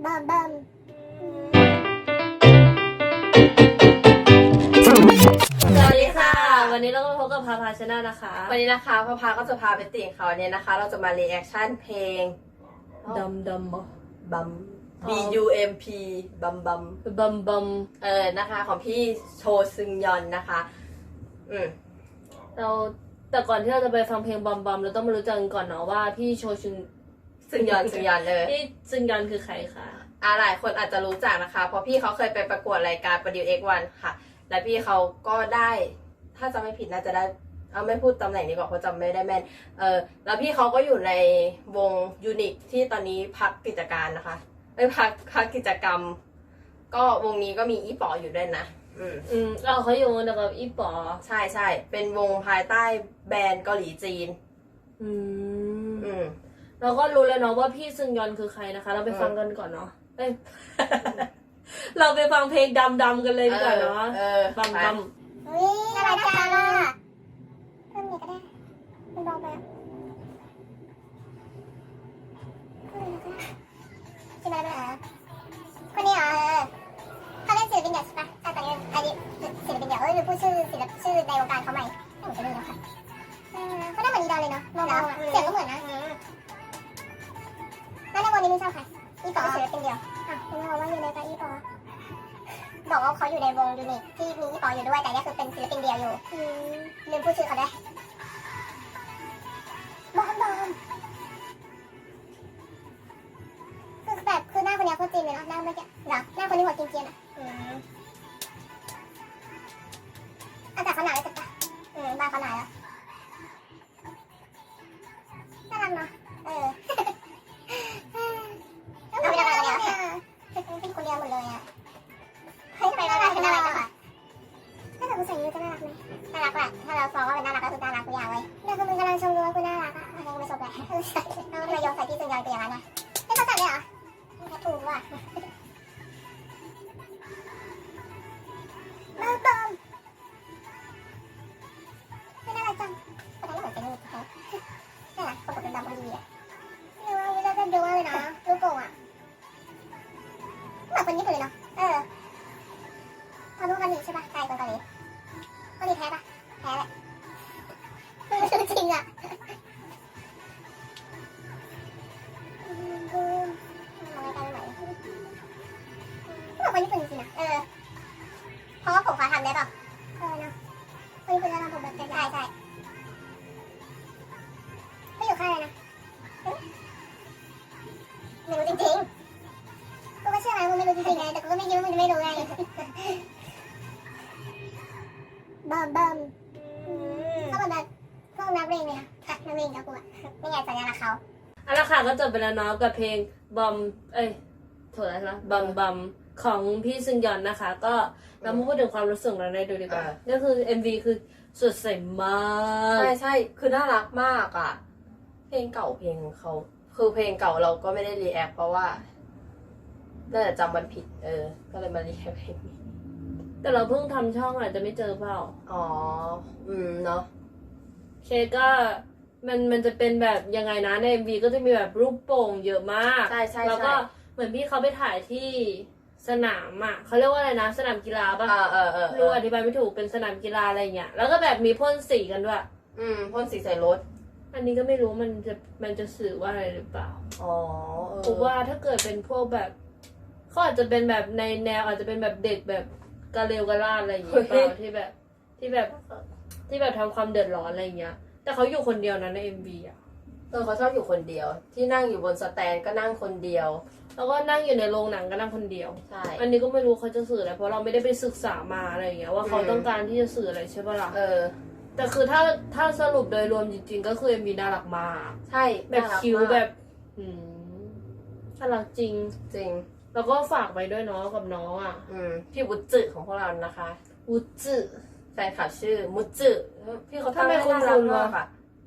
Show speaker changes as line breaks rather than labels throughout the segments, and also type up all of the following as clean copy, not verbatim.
บัมบัม
สวัสดีค่ะวันนี้เราก็มาพบกับพาพาชาแนลนะคะ
วันนี้นะคะพ่อพาก็จะพาไปติ่งเขาเนี่ยนะคะ เราจะมารีแอคชั่นเพลง
ดำ
บัม B U M P บัม
บัม
นะคะของพี่โชซึงยอนนะคะ
เราแต่ก่อนที่เราจะไปฟังเพลงบัมเราต้องมารู้จักกันก่อนเนาะว่าพี่โช
ซึงยอนเลย
พี่ซึงยอนคือใครคะ
หลายคนอาจจะรู้จักนะคะเพราะพี่เขาเคยไปประกวดรายการประดิว X1 ค่ะและพี่เขาก็ได้ถ้าจำไม่ผิดน่าจะได้ไม่พูดตำแหน่งดีกว่าเพราะจำไม่ได้แม่นแล้วพี่เขาก็อยู่ในวงยูนิคที่ตอนนี้พักกิจการนะคะไม่พักกิจกรรมก็วงนี้ก็มีอีป๋ออยู่ด้วยนะ
เขาอยู่กับอีป๋อ
ใช่เป็นวงภายใต้แบรนด์เกาหลีจีน
เราก็รู้แล้วเนาะว่าพี่ซึงยอนคือใครนะคะเราไปฟังกันก่อนเนาะเราไปฟังเพลงดำกันเลยดีกว่าเนาะบัม
อุ้ยน่ารักจังอ่ะเพิ่มอีกก็ได้มันเบาไปใช่ไหมคนนี้เขาเล่นศิลปินเดี่ยวใช่ปะตอนนี้อันนี้ศิลปินเดี่ยวหรือพูดชื่อในวงการเขาใหม่ไม่เหมือนจะรู้นะคะเขาได้เหมือนอีดอลเลยเนาะมองเสียงก็เหมือนนะแล้วในวงนี้ไม่ชอบใครอีปอศิลปินเดี่ยวคุณบอกว่าอยู่ในกับอีปอบอกว่าเขาอยู่ในวงยูนิคที่มีอีปออยู่ด้วยแต่นี่คือเป็นศิลปินเดี่ยวอยู่ลืมพูดชื่อเขาได้บอมคือแบบคือหน้าคนนี้โคตรจีนเลยเนาะหน้าเมื่อกี้เหรอหน้าคนนี้หัวจีนๆอ่ะอากาศเขาหนาวเลยจัดจ้ะบ้านเขาหนาวแล้วน่ารักเนาะเราไม่ได้อะไรกันเนี่ยเป็นคนเดียวหมดเลยอ่ะเฮ้ยทำไมน่ารักจังอะถ้าเกิดกูใส่ยูจะน่ารักไหมน่ารักแหละถ้าเราฟ้องว่าเป็นน่ารักก็คือน่ารักทุกอย่างเลยเนี่ยคือมึงกำลังชมดูว่ากูน่ารักอ่ะอะไรก็ไม่ชมเลยใช่เราทำไมโยนใส่ที่ซึงยอนเป็นอย่างนั้นนะไม่เข้าใจเลยเหรอถูกว่ะบอมไม่น่ารักจังแต่ก็เหมือนเป็นลูกเขาน่ารักประกบเป็นดำพอดีอ่ะไม่ว่าวิลาจะดูเลยนะลูกโป่งอ่ะเหมือนคนญี่ปุ่นเลยเนาะเขาดูเกาหลีใช่ปะใช่คนเกาหลีแท้ปะแท้แหละจริงอ่ะคนญี่ปุ่นจริงๆนะเพราะว่าผมเขาทำได้ป่ะเนาะคนญี่ปุ่นจะทำผมแบบใช่ไม่อยู่ค่ายเลยนะไม่รู้จริงๆกูก็เชื่อไงมึงไม่รู้จริงๆไงแต่กูก็ไม่คิดว่ามึงจะไม่รู้ไงบัมเขาแบบพวกนักเรียนเนี่ยนักเรียนกับกูอ่ะนี่ไงสัญลักษณ์เขา
ละค่ะก็จบไปแล้วเนาะกับเพลงถูกแล้วใช่ไหมบัมของพี่ซึงยอนนะคะก็เรามาพูดถึงความรู้สึกเราในดูดีกว่าก็คือ MV คือสดใสมาก
ใช่คือน่ารักมากอ่ะเพลงเก่าเพลงเขาคือเพลงเก่าเราก็ไม่ได้รีแอคเพราะว่าน่าจะจำวันผิดก็เลยมารีแอคเพลงนี้
แต่เราเพิ่งทำช่องอาจจะไม่เจอเปล่า
เนาะ
เคก็มันจะเป็นแบบยังไงนะใน MV ก็จะมีแบบรูปโป่งเยอะมาก
ใช่
แล้วก็เหมือนพี่เขาไปถ่ายที่สนามอ่ะเขาเรียกว่าอะไรนะสนามกีฬาป่ะรู้อธิบายไม่ถูกเป็นสนามกีฬาอะไรเงี้ยแล้วก็แบบมีพ่นสีกันด้วย
พ่นสีใส่รถ
อันนี้ก็ไม่รู้มันจะสื่อว่าอะไรหรือเปล่าผมว่าถ้าเกิดเป็นพวกแบบเขาอาจจะเป็นแบบในแนวอาจจะเป็นแบบเด็กแบบกระเลวกระลาดอะไรอย่างเงี้ยเปล่าที่แบบทำความเดือดร้อนอะไรเงี้ยแต่เขาอยู่คนเดียวนะใน MV อ่ะ
เขาชอบอยู่คนเดียวที่นั่งอยู่บนสแตนก็นั่งคนเดียว
แล้วก็นั่งอยู่ในโรงหนังก็นั่งคนเดียว
ใช่
อันนี้ก็ไม่รู้เขาจะสื่ออะไรเพราะเราไม่ได้ไปศึกษามาอะไรอย่างเงี้ยว่าเขาต้องการที่จะสื่ออะไรใช่ปะล่ะแต่คือถ้าสรุปโดยรวมจริงๆก็คือ MV น่ารักมาก
ใช่
แบบคิ้วแบบน่ารักจริงแล้วก็ฝากไปด้วยเนาะกับน้องอ่ะ
พี่วุฒิของพวกเรานะคะ
วุฒิ
แฟนคลับชื่อมุจิพี่เขาทำให้น่ารักมากค่ะ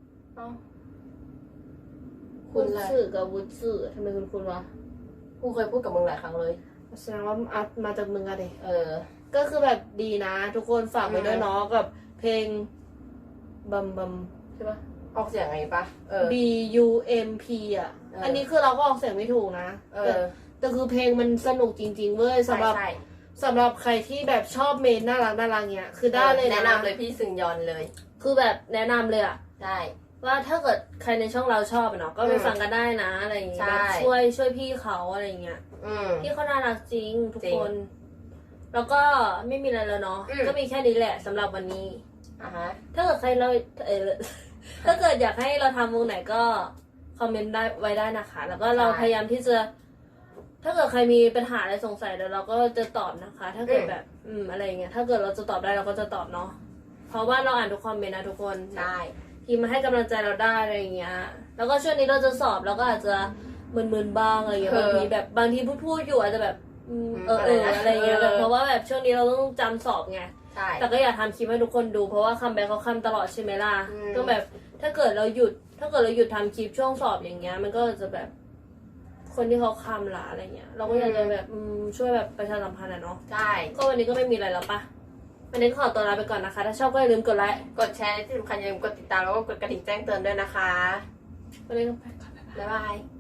คุณสื่อกับวุฒิทำไมคุณวะ
กูเคยพูดกับมึงหลายครั้งเลย
แสดงว่ามาจากมึงอะดิก็คือแบบดีนะทุกคนฝากไปด้วยเนาะกับเพลงบัมใช่ปะ
ออกเสียงไงปะ
B U M P อ่ะอันนี้คือเราก็ออกเสียงไม่ถูกนะแต่คือเพลงมันสนุกจริงๆเว้ยสำหรับ
ใช่
สำหรับใครที่แบบชอบเมนน่ารักเนี้ยคือได้เลยนะ
แนะนำเลยพี่ซึงยอนเลย
คือแบบแนะนำเลยอะ
ใช่
ว่าถ้าเกิดใครในช่องเราชอบเนาะก็ไปฟังกันได้นะอะไรอย่างเงี้ย
ใช่
แบบช่วยพี่เขาอะไรอย่างเงี้ย พี่เขาน่ารักจริงทุก
จริง
คน แล้วก็ไม่มีอะไรแล้วเนาะ ก็มีแค่นี้แหละสำหรับวันนี้
อ่ะฮะ
ถ้าเกิดใครเราถ้าเกิดอยากให้เราทำวงไหนก็คอมเมนต์ได้ไว้ได้นะคะ แล้วก็เราพยายามที่จะ ถ้าเกิดใครมีปัญหาอะไรสงสัยเดี๋ยวเราก็จะตอบนะคะ ถ้าเกิดแบบอะไรอย่างเงี้ย ถ้าเกิดเราจะตอบได้เราก็จะตอบเนาะ เพราะว่าเราอ่านทุกคอมเมนต์นะทุกคน
ใช่
พิมพ์มาให้กำลังใจเราได้อะไรอย่างเงี้ย แล้วก็ช่วงนี้เราจะสอบเราก็อาจจะมึนๆบ้างอะไรอย่างเงี้ย บางทีพูดอยู่อาจจะแบบอะไรอย่างเงี้ยแบบเพราะว่าแบบช่วงนี้เราต้องจำสอบไง
ใช่
แต่ก็อยากทำคลิปให้ทุกคนดูเพราะว่าคัมแบ็คเขาคัมตลอดใช่ไหมล่ะ
อืม
ก็แบบถ้าเกิดเราหยุดทำคลิปช่วงสอบอย่างเงี้ย มันก็จะแบบ คนที่เขาคัมละอะไรเงี้ย เราก็อยากจะแบบช่วยแบบประชาสัมพันธ์อะเนาะ
ใช่
ก็วันนี้ก็ไม่มีอะไรแล้วปะวันนี้ขอตัวลาไปก่อนนะคะ ถ้าชอบก็อย่าลืมกดไลค์
กดแชร์ที่สำคัญอย่าลืมกดติดตามแล้วก็กดกระดิ่งแจ้งเตือนด้วยนะคะ
วันนี้ก็ไปก่อน
บ๊ายบาย